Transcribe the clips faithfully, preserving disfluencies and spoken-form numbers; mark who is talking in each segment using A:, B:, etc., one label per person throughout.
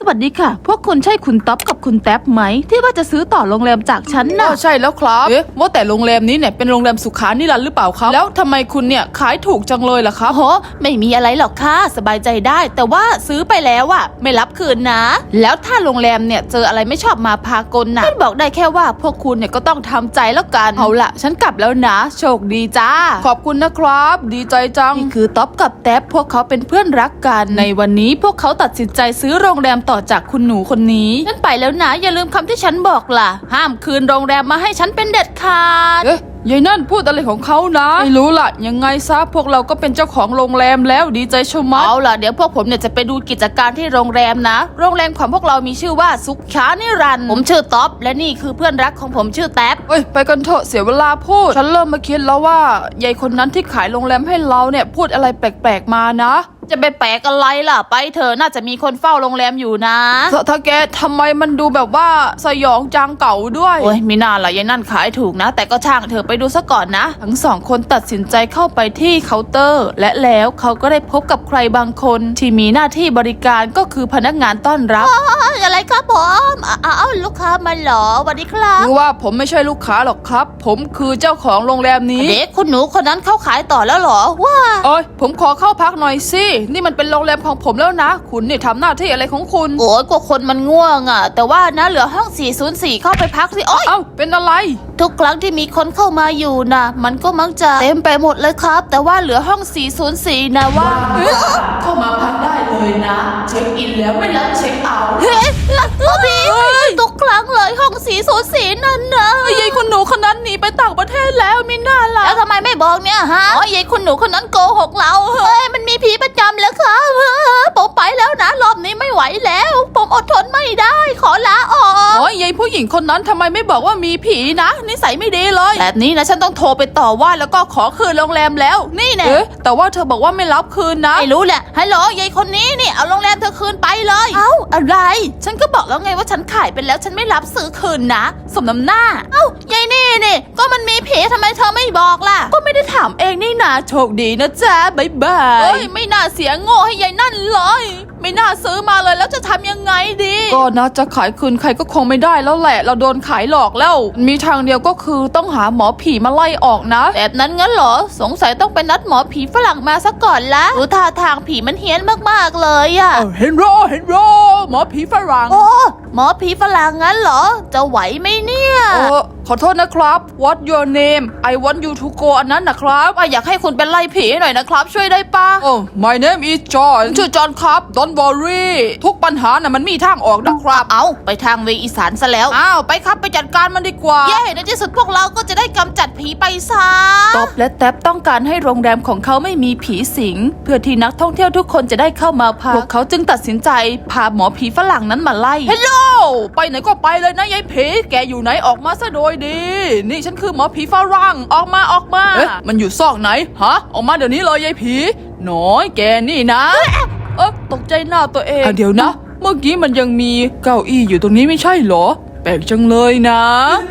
A: วัสดีค่ะพวกคุณใช่คุณต๊อบกับคุณแท็บไหมที่ว่าจะซื้อต่อโรงแรมจากฉันนะ
B: ใช่แล้วครับเอ๊ะว่าแต่โรงแรมนี้เนี่ยเป็นโรงแรมสุขานิรันดร์หรือเปล่าครับแล้วทำไมคุณเนี่ยขายถูกจังเลยล่ะครับ
A: โอ้โหไม่มีอะไรหรอกค่ะสบายใจได้แต่ว่าซื้อไปแล้วอะไม่รับคืนนะ แล้วถ้าโรงแรมเนี่ยเจออะไรไม่ชอบมาพากลนะฉันบอกได้แค่ว่าพวกคุณเนี่ยก็ต้องทำใจแล้วกันเอาละฉันกลับแล้วนะโชคดีจ้า
B: ขอบคุณนะครับดีใจจัง
A: นี่คือต๊อบกับแท็บพวกเขาเป็นเพื่อนรักกันในวันนี้พวกเขาตัดสินใจซื้อโรงแรมต่อจากคุณหนูคนนี้ฉันไปแล้วนะอย่าลืมคำที่ฉันบอกล่ะห้ามคืนโรงแรมมาให้ฉันเป็นเด็ดขาด
B: เอ๊ะยายนั่นพูดอะไรของเขานะไม่รู้ล่ะยังไงซะพวกเราก็เป็นเจ้าของโรงแรมแล้วดีใจชะมัด
A: เอาล่ะเดี๋ยวพวกผมเนี่ยจะไปดูกิจการที่โรงแรมนะโรงแรมของพวกเรามีชื่อว่าสุขานิรันดร์ผมชื่อต๊อบและนี่คือเพื่อนรักของผมชื่อแท็บ
B: เอ้ยไปกันเถอะเสียเวลาพูดฉันเริ่มมาคิดแล้วว่ายายคนนั้นที่ขายโรงแรมให้เราเนี่ยพูดอะไรแปลกๆมานะ
A: จะไปแปลกอะไรล่ะไปเถอะน่าจะมีคนเฝ้าโรงแรมอยู่นะ
B: ถ้าถ้าแกทำไมมันดูแบบว่าสยองจังเก่าด้วย
A: โอ้ยมีน่าล่ะยายนั่นขายถูกนะ แต่ก็ช่างเธอไปดูซะก่อนนะทั้งสองคนตัดสินใจเข้าไปที่เคาน์เตอร์ และแล้วเขาก็ได้พบกับใครบางคนที่มีหน้าที่บริการก็คือพนักงานต้อนรับอะไรครับผมอ้าวลูกค้ามาเหรอสวัสดีครับ
B: คือว่าผมไม่ใช่ลูกค้าหรอกครับ ผมคือเจ้าของโรงแรมนี้
A: เด็กคุณหนูคนนั้นเขาขายต่อแล้วเหรอว้า
B: เอ้ยผมขอเข้าพักหน่อยสินี่มันเป็นโรงแรมของผมแล้วนะ คุณนี่ทำหน้าที่อะไรของคุณ
A: โอ้ยกว่าคนมันง่วงอ่ะแต่ว่านะเหลือห้องสี่ศูนย์สี่เข้าไปพักสิโอ้ย
B: เอ้าเป็นอะไร
A: ทุกครั้งที่มีคนเข้ามาอยู่นะมันก็มักจะเต็มไปหมดเลยครับ แต่ว่าเหลือห้องสี่ศูนย์สี่นะว่า
B: เข้ามาพักได้เลยนะ เช็คอินแล้วไม่รับเช็คเอาท์
A: เฮ้ยลักพี่ทุกครั้งเลยห้องสี่ศูนย์สี่นั่นนะ
B: ยายคุณหนูคนนั้นหนีไปต่างประเทศแล้วมิน่าล่ะ
A: แล้วทำไมไม่บอกเนี่ยฮะอ๋อยายคุณหนูคนนั้นโกหกเราเฮ้ยมันมีผีประจำแล้วครับผมไปแล้วนะรอบนี้ไม่ไหวแล้ว ผมอดทนไม่ได้ขอลาออก
B: โอ้ยยายผู้หญิงคนนั้นทำไมไม่บอกว่ามีผีนะนิสัยไม่ดีเลย
A: แบบนี้นะฉันต้องโทรไปต่อว่าแล้วก็ขอคืนโรงแรมแล้วนี่แน่
B: เอ๊ะแต่ว่าเธอบอกว่าไม่รับคืนนะ
A: ไม่รู้แหละฮัลโหลยายคนนี้นี่เอาโรงแรมเธอคืนไปเลยเอ้าอะไร ฉันก็บอกแล้วไงว่าฉันขายไปแล้วฉันไม่รับซื้อคืนนะสมน้ำหน้าเอ้ายายนี่นี่ก็มันมีผีทำไมเธอไม่บอกล่ะก็ไม่ได้ถามเองนี่นาโชคดีนะจ๊ะบ๊ายบาย
B: เอ้ยไม่น่าเสียโง่ให้ยายนั่นเลย ไม่น่าซื้อมาเลยแล้วจะทำยังไงดีก็นะจะขายคืนใครก็คงไม่ได้แล้วแหละเราโดนขายหลอกแล้วมีทางเดียวก็คือต้องหาหมอผีมาไล่ออกนะ
A: แบบนั้นงั้นเหรอสงสัยต้องไปนัดหมอผีฝรั่งมาซะก่อนละดูท่าทางผีมันเฮี้ยนมากๆเลยอะ
B: เออเห็นโรเห็นโรหมอผีฝรั่ง
A: โอ้หมอผีฝรั่งงั้นเหรอจะไหวไหมเนี่ย
B: เออขอโทษนะครับ What your name I want you to go อันนั้นนะครับ
A: ว่าอยากให้คุณเป็นไล่ผีหน่อยนะครับ ช่วยได้ปะ
B: โอ้ My name is John ชื่อจอห์นครับ Don't worry ทุกปัญหาน่ะมันมีทางออกนะครับ
A: เอาไปทางเวอีสานซะแล้ว
B: อ้าวไปครับไปจัดการมันดีกว่า
A: เย้ในที่สุดพวกเราก็จะได้กำจัดผีไปซะต๊อบและแท็บต้องการให้โรงแรมของเขาไม่มีผีสิงเพื่อที่นักท่องเที่ยวทุกคนจะได้เข้ามาพักพวกเขาจึงตัดสินใจพาหมอผีฝรั่งนั้นมาไล่
B: เฮลโลไปไหนก็ไปเลยนะยายผีแกอยู่ไหนออกมาซะโดยดีนี่ฉันคือหมอผีฝรั่งออกมาออกมาเอ๊ะมันอยู่ซอกไหนฮะออกมาเดี๋ยวนี้เลยยายผีน้อยแกนี่นะเอ๊ะตกใจหน้าตัวเองอ่ะเดี๋ยวนะเมื่อกี้มันยังมีเก้าอี้อยู่ตรงนี้ไม่ใช่เหรอแปลกจังเลยนะ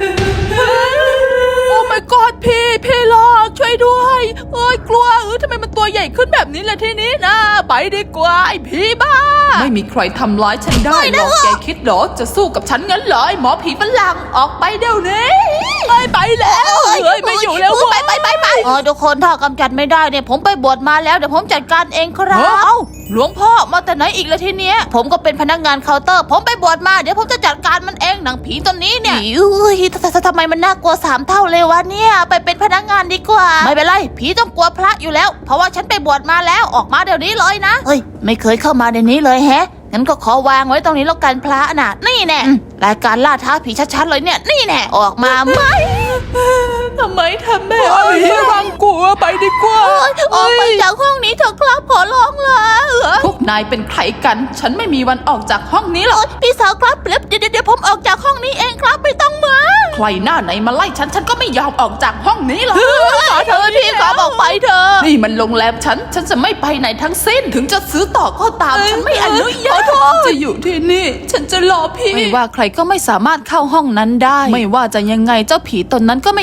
B: โอ้ my god พี่พี่หลอกช่วยด้วยเอ้ยกลัวเออทำไมมันตัวใหญ่ขึ้นแบบนี้ล่ะทีนี้นะไปดีกว่าไอ้ผีบ้าไม่มีใครทำร้ายฉันได้หรอกแกคิดเหรอจะสู้กับฉันงั้นเหรอไอ้หมอผีฝรั่งออกไปเดี๋ยวนี้ไปไปแล้วเฮ้ยไม่อยู่แล้ว
A: ไปไปไปไปเออทุกคนถ้ากำจัดไม่ได้เนี่ยผมไปบวชมาแล้วเดี๋ยวผมจัดการเองครับเอ้าหลวงพ่อมาแต่ไหนอีกละทีเนี้ยผมก็เป็นพนักงานเคาน์เตอร์ผมไปบวชมาเดี๋ยวผมจะจัดการมันเองหนังผีตัวนี้เนี่ยอุ้ยทำไมมันน่ากลัวสามเท่าเลยวะเนี่ยไปเป็นพนักงานดีกว่าไม่เป็นไรผีต้องกลัวพระอยู่แล้วเพราะว่าฉันไปบวชมาแล้วออกมาเดี๋ยวนี้เลยนะเฮ้ยไม่เคยเข้ามาในนี้เลยแฮะงั้นก็ขอวางไว้ตรงนี้แล้วกันพระน่ะนี่แน่รายการล่าท้าผีชัดๆเลยเนี่ยนี่แน่ออกมาไหมทำไมทำแม่
B: ผีรังกลัวไปดีกว่า
A: ออกไปจากห้องนี้เถอะครับขอร้องละ
B: พวกนายเป็นใครกันฉันไม่มีวันออกจากห้องนี้หรอก
A: พี่สาวครับเดี๋ยวเดี๋ยวผมออกจากห้องนี้เองครับไม่ต้องมา
B: ใครหน้าไหนมาไล่ฉันฉันก็ไม่ยอมออกจากห้องนี้หรอก
A: ขอเธอพี่ขอบอกไปเธอ
B: นี่มันโรงแรมฉันฉันจะไม่ไปไหนทั้งสิ้นถึงจะซื้อต่อก็ตามฉันไม่อนุญาตจะอยู่ที่นี่ฉันจะรอพี่ไม่ว่าใครก็ไม่สามารถเข้าห้องนั้นได้ไม่ว่าจะยังไงเจ้าผีตนนั้นก็ไม่ยอมออก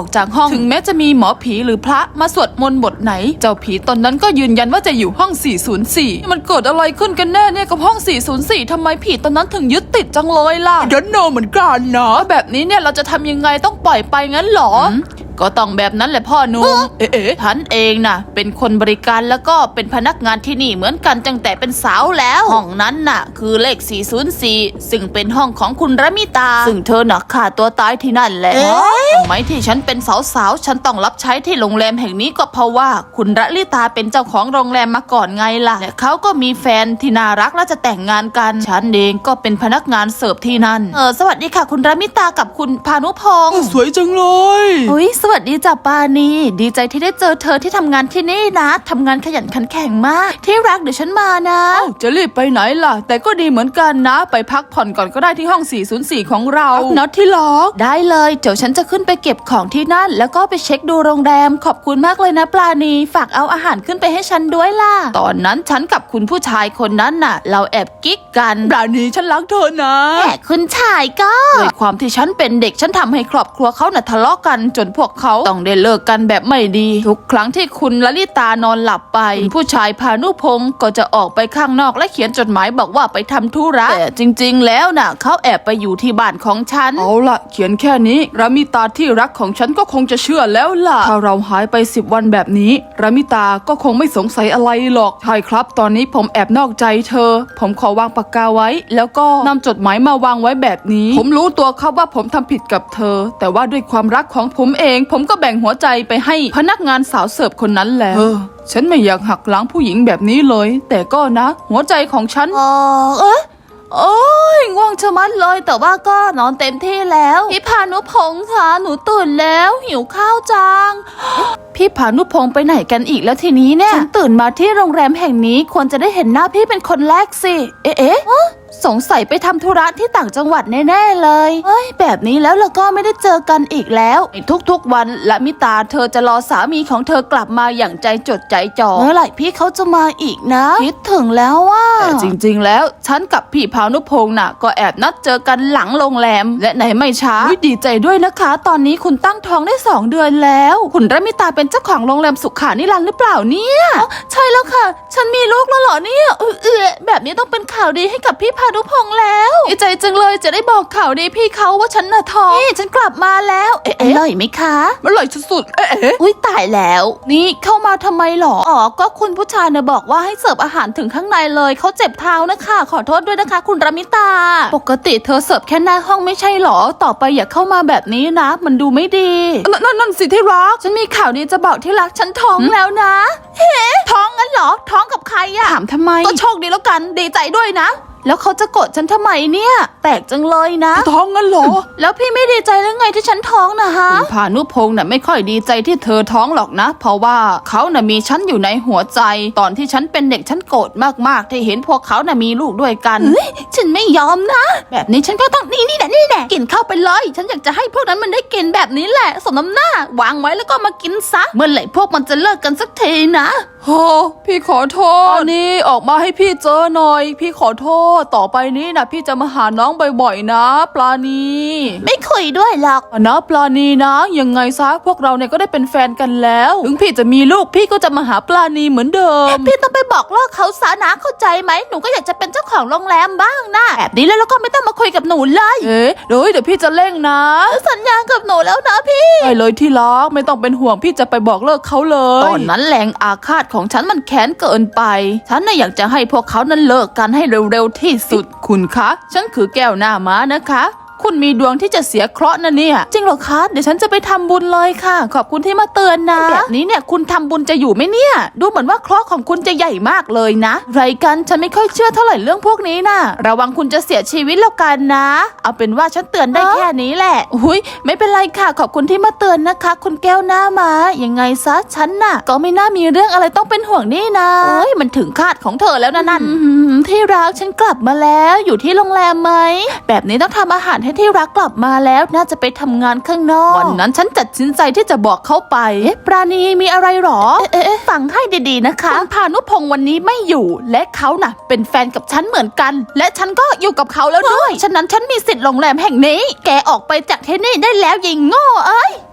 B: จากห้องถึงแม้จะมีหมอผีหรือพระมาสวดมนต์บทไหนเจ้าผีตนนั้นก็ยืนยันว่าจะอยู่ห้องสี่ศูนย์สี่มันเกิดอะไรขึ้นกันแน่เนี่ยกับห้องสี่ศูนย์สี่ทำไมผีตนนั้นถึงยึดติดจังเลยล่ะ
C: ดันโนเหมือนกันนะ
B: แบบนี้เนี่ยเราจะทำยังไงต้องปล่อยไปงั้นเหรอก็ต้องแบบนั้นแหละพ่อหนุ่มเอ๊ะฉันเองน่ะเป็นคนบริการแล้วก็เป็นพนักงานที่นี่เหมือนกันตั้งแต่เป็นสาวแล้วห้องนั้นน่ะคือเลขสี่ศูนย์สี่ซึ่งเป็นห้องของคุณระมิตาซึ่งเธอน่ะฆ่าตัวตายที่นั่นแหละทำไมที่ฉันเป็นสาวๆฉันต้องรับใช้ที่โรงแรมแห่งนี้ก็เพราะว่าคุณระลิตาเป็นเจ้าของโรงแรมมาก่อนไงล่ะและเขาก็มีแฟนที่น่ารักและจะแต่งงานกันฉันเองก็เป็นพนักงานเสิร์ฟที่นั่นเออสวัสดีค่ะคุณระมิตากับคุณพานุพงษ์
C: สวยจังเลย
A: อุ้ยสวัสดีจ้ะปานีดีใจที่ได้เจอเธอที่ทำงานที่นี่นะทำงานขยันขันแข็งมากที่รักเดี๋ยวฉันมานะ
B: จะรีบไปไหนล่ะแต่ก็ดีเหมือนกันนะไปพักผ่อนก่อนก็ได้ที่ห้องสี่ศูนย์สี่ของเราน็อตที่ล็อก
A: ได้เลยเดี๋ยวฉันจะขึ้นไปเก็บของที่นั่นแล้วก็ไปเช็คดูโรงแรมขอบคุณมากเลยนะปลาณีฝากเอาอาหารขึ้นไปให้ฉันด้วยล่ะตอนนั้นฉันกับคุณผู้ชายคนนั้นน่ะเราแอบกิ๊กกัน
C: ปราณีฉันรักเธอนะ
A: แต่คุณชายก็ด้วยความที่ฉันเป็นเด็กฉันทำให้ครอบครัวเขาน่ะทะเลาะกันจนพวกเขาต้องได้เลิกกันแบบไม่ดีทุกครั้งที่คุณลลิตานอนหลับไปคุณผู้ชายพานุพงศ์ก็จะออกไปข้างนอกและเขียนจดหมายบอกว่าไปทำธุระแต่จริงๆแล้วน่ะเขาแอบไปอยู่ที่บ้านของฉัน
B: เอาล่ะเขียนแค่นี้รามิตาที่รักของฉันก็คงจะเชื่อแล้วล่ะถ้าเราหายไปสิบวันแบบนี้รามิตาก็คงไม่สงสัยอะไรหรอกใช่ครับตอนนี้ผมแอบนอกใจเธอผมขอวางปากกาไว้แล้วก็นำจดหมายมาวางไว้แบบนี้ผมรู้ตัวครับว่าผมทำผิดกับเธอแต่ว่าด้วยความรักของผมเองผมก็แบ่งหัวใจไปให้พนักงานสาวเสิร์ฟคนนั้นแล้วฉันไม่อยากหักหลังผู้หญิงแบบนี้เลยแต่ก็นะ หัวใจของฉัน
A: อ๋อเอ๊ะโอ้ยง่วงชะมัดเลยแต่ว่าก็นอนเต็มที่แล้วพี่พานุพงษ์คะหนูตื่นแล้วหิวข้าวจังพี่พานุพงษ์ไปไหนกันอีกแล้วทีนี้เนี่ยฉันตื่นมาที่โรงแรมแห่งนี้ควรจะได้เห็นหน้าพี่เป็นคนแรกสิเอ๊ะเอ๊ะสงสัยไปทำธุระที่ต่างจังหวัดแน่ๆเลยเฮ้ยแบบนี้แล้วเราก็ไม่ได้เจอกันอีกแล้วทุกๆวันละมิตาเธอจะรอสามีของเธอกลับมาอย่างใจจดใจจ่อเมื่อไหร่พี่เขาจะมาอีกนะคิดถึงแล้วว่า
B: แต่จริงๆแล้วฉันกับพี่พานุพงษ์น่ะก็แอบนัดเจอกันหลังโรงแรมและไหนไม่ช้าดีใจด้วยนะคะตอนนี้คุณตั้งท้องได้สองเดือนแล้วคุณระมิตาเป็นเจ้าของโรงแรมสุขานิรันดร์หรือเปล่าเนี่ยใช่แล้วค่ะฉันมีลูกแล้วเหรอเนี่ยเออเออแบบนี้ต้องเป็นข่าวดีให้กับพี่พานุพงษ์แล้วดีใจจังเลยจะได้บอกข่าวดีพี่เขาว่าฉันน่ะท้องนี่ฉันกลับมาแล้วเอ๊ะอร่อยไหมคะ มันอร่อยสุดๆเอ๊ะ
A: อุ้ยตายแล้วนี่เข้ามาทำไมหรออ๋อก็คุณผู้ชายเนี่ยบอกว่าให้เสิร์ฟอาหารถึงข้างในเลยเขาเจ็บเท้านะคะขอโทษด้วยนะคะคุณรามิตาปกติเธอเสิร์ฟแค่หน้าห้องไม่ใช่หรอต่อไปอย่าเข้ามาแบบนี้นะมันดูไม่ดี
B: นั่นนั่นนั่นสิที่รัก
A: ฉันมีข่าวดีจะบอกที่รักฉันท้องแล้วนะเฮ้ท้องงั้นเหรอท้องกับใครอะ
B: ถามทำไม
A: ก็โชคดีแล้วกันดีใจด้วยนะแล้วเขาจะโกรธฉันทำไมเนี่ยแปลกจังเลยนะ
B: ท้องงั้นเหรอ
A: แล้วพี่ไม่ดีใจหรือไงที่ฉันท้องนะฮะ
B: คุณพานุพงษ์น่ะไม่ค่อยดีใจที่เธอท้องหรอกนะเพราะว่าเขาน่ะมีฉันอยู่ในหัวใจตอนที่ฉันเป็นเด็กฉันโกรธมากๆที่เห็นพวกเขาน่ะมีลูกด้วยกัน
A: เฮ้ยฉันไม่ยอมนะแบบนี้ฉันก็ต้องนี่นี่แหละนี่แหละกินเข้าไปเลยฉันอยากจะให้พวกนั้นมันได้กินแบบนี้แหละสมน้ำหน้าวางไว้แล้วก็มากินซะเมื่อไหร่พวกมันจะเลิกกันสักทีนะ
B: โอ้พี่ขอโทษตอนนี้ออกมาให้พี่เจอหน่อยพี่ขอโทษต่อไปนี้นะพี่จะมาหาน้องบ่อยๆนะปลาณี
A: ไม่คุยด้วยหรอก
B: นะปลาณีนะยังไงซะพวกเราเนี่ยก็ได้เป็นแฟนกันแล้วถึงพี่จะมีลูกพี่ก็จะมาหาปลาณีเหมือนเดิม
A: พี่ต้องไปบอกเลิกเขาซะนะเข้าใจไหมหนูก็อยากจะเป็นเจ้าของโรงแรมบ้างนะแบบนี้แล้วเราก็ไม่ต้องมาคุยกับหนูเลย
B: เอ๊ะเดี๋ยวเดี๋ยวพี่จะเร่งนะ
A: สัญญากับหนูแล้วนะพี่
B: ได้เลยที่รักไม่ต้องเป็นห่วงพี่จะไปบอกเลิกเขาเลยตอนนั้นแรงอาฆาตของฉันมันแค้นเกินไปฉันน่ะอยากจะให้พวกเขานั้นเลิกกันให้เร็วๆที่สุดคุณคะฉันคือแก้วหน้าม้านะคะคุณมีดวงที่จะเสียเคราะห์นะเนี่ยจริงเหรอคะเดี๋ยวฉันจะไปทำบุญเลยค่ะขอบคุณที่มาเตือนนะแบบนี้เนี่ยคุณทำบุญจะอยู่ไหมเนี่ยดูเหมือนว่าเคราะห์ของคุณจะใหญ่มากเลยนะไรกันฉันไม่ค่อยเชื่อเท่าไหร่เรื่องพวกนี้นะระวังคุณจะเสียชีวิตแล้วกันนะเอาเป็นว่าฉันเตือนได้แค่นี้แหละอุ้ยไม่เป็นไรค่ะขอบคุณที่มาเตือนนะคะคุณแก้วหน้าม้ายังไงซะฉันน่ะก็ไม่น่ามีเรื่องอะไรต้องเป็นห่วงนี่นะเอ้ยมันถึงคาดของเธอแล้วนะนั่นที่รักฉันกลับมาแล้วอยู่ที่โรงแรมไหมแบบนี้ต้องทำอาหารให้ที่รักกลับมาแล้วน่าจะไปทำงานข้างนอกวันนั้นฉันตัดสินใจที่จะบอกเขาไปเอ๊ะปราณีมีอะไรหรอเอ๊ะฟังให้ดีๆนะคะคุณพานุพงษ์วันนี้ไม่อยู่และเขาน่ะเป็นแฟนกับฉันเหมือนกันและฉันก็อยู่กับเขาแล้วด้วยฉะนั้นฉันมีสิทธิ์โรงแรมแห่งนี้แกออกไปจากที่นี่ได้แล้วยิงโง่เอ้ย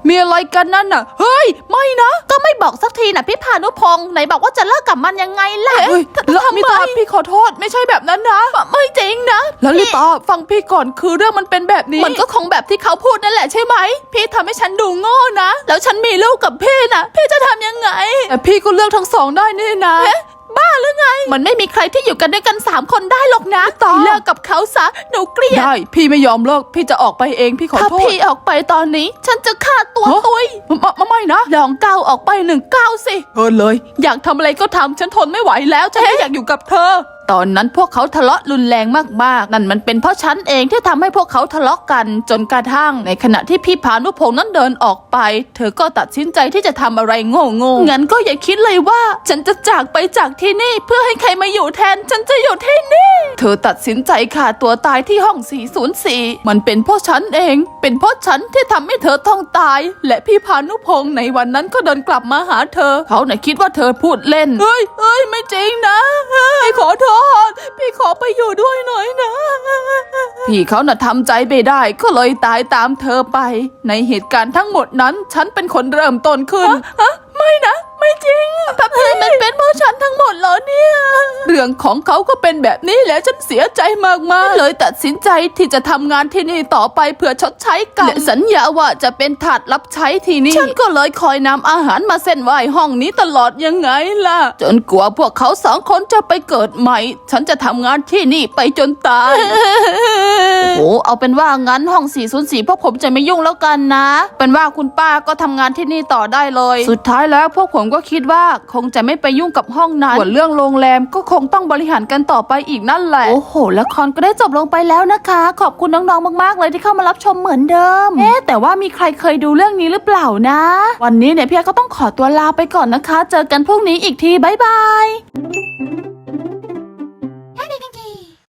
B: มีอะไรกันนั่นน่ะเฮ้ยไม่นะ
A: ก็ไม่บอกสักทีนะพี่พานุพงษ์ไหนบอกว่าจะเลิกกับมันยังไงล่ะ
B: เฮ้ย
A: ท
B: ล
A: ทำ
B: ลิ
A: ไม
B: ตาพี่ขอโทษไม่ใช่แบบนั้นนะ
A: ไม่จริงนะ
B: ลลิตาฟังพี่ก่อนคือเรื่องมันเป็นแบบนี้
A: มันก็คงแบบที่เขาพูดนั่นแหละใช่ไหมพี่ทำให้ฉันดูโง่นะแล้วฉันมีลูกกับพี่นะพี่จะทำยังไง
B: แต่พี่ก็เลือกทั้งสองได้นี่นะ
A: บ้าหรือไง มันไม่มีใครที่อยู่กันด้วยกันสามคนได้หรอกนะ
B: ต่อ
A: เลิกกับเขาซะหนูเกลียด
B: ได้พี่ไม่ยอมเลิกพี่จะออกไปเองพี่ขอ
A: ถ้า
B: โทษ
A: พี่ออกไปตอนนี้ ฉันจะฆ่าตัว
B: ฮะ
A: ตุย
B: ไม่ไม่ไม่นะ
A: ลองก้าวออกไปหนึ่งก้าวสิ
B: เออเลย อยากทำอะไรก็ทำฉันทนไม่ไหวแล้วฉันไม่อยากอยู่กับเธอ
A: ตอนนั้นพวกเขาทะเลาะรุนแรงมากๆ นั่นมันเป็นเพราะฉันเองที่ทำให้พวกเขาทะเลาะกันจนกระทั่ง ในขณะที่พี่พานุพงษ์นั้นเดินออกไป เธอก็ตัดสินใจที่จะทำอะไรโง่ๆงั้นก็อย่าคิดเลยว่า ฉันจะจากไปจากที่นี่เพื่อให้ใครมาอยู่แทน ฉันจะอยู่ที่นี่ เธอตัดสินใจฆ่าตัวตายที่ห้อง สี่ศูนย์สี่ มันเป็นเพราะฉันเอง เป็นเพราะฉันที่ทำให้เธอต้องตาย และพี่พานุพงษ์ในวันนั้นก็เดินกลับมาหาเธอ เขาน่ะคิดว่าเธอพูดเล่น
B: เฮ้ยเฮ้ยไม่จริงนะพี่ขอโทษพี่ขอไปอยู่ด้วยหน่อยนะ
A: พี่เขาน่ะทำใจไม่ได้ก็เลยตายตามเธอไป ในเหตุการณ์ทั้งหมดนั้น ฉันเป็นคนเริ่มต้นขึ้น
B: ฮะไม่นะไม่จริง
A: พับพีมันเป็นเพราะฉันทั้งหมดเหรอเนี่ย
B: เรื่องของเขาก็เป็นแบบนี้แหละฉันเสียใจมากๆ
A: เลยตัดสินใจที่จะทำงานที่นี่ต่อไปเพื่อชดใช้กรรมและสัญญาว่าจะเป็นทาสรับใช้ที่นี่ ฉันก็เลยคอยนำอาหารมาเส้นไหว้ห้องนี้ตลอดยังไงล่ะ จนกลัวพวกเขาสองคนจะไปเกิดใหม่ ฉันจะทำงานที่นี่ไปจนตาย โอ้เอาเป็นว่างั้นห้อง สี่ศูนย์สี่ พวกผมจะไม่ยุ่งแล้วกันนะ เป็นว่าคุณป้าก็ทำงานที่นี่ต่อได้เลย สุดท้ายแล้วพวกผมก็คิดว่าคงจะไม่ไปยุ่งกับห้องนั้นส่วนเรื่องโรงแรมก็คงต้องบริหารกันต่อไปอีกนั่นแหละ โอ้โหละครก็ได้จบลงไปแล้วนะคะ ขอบคุณน้องๆมากๆเลยที่เข้ามารับชมเหมือนเดิม เอ๊ะแต่ว่ามีใครเคยดูเรื่องนี้หรือเปล่านะ วันนี้เนี่ยพี่ก็ต้องขอตัวลาไปก่อนนะคะ เจอกันพรุ่งนี้อีกทีบ๊ายบาย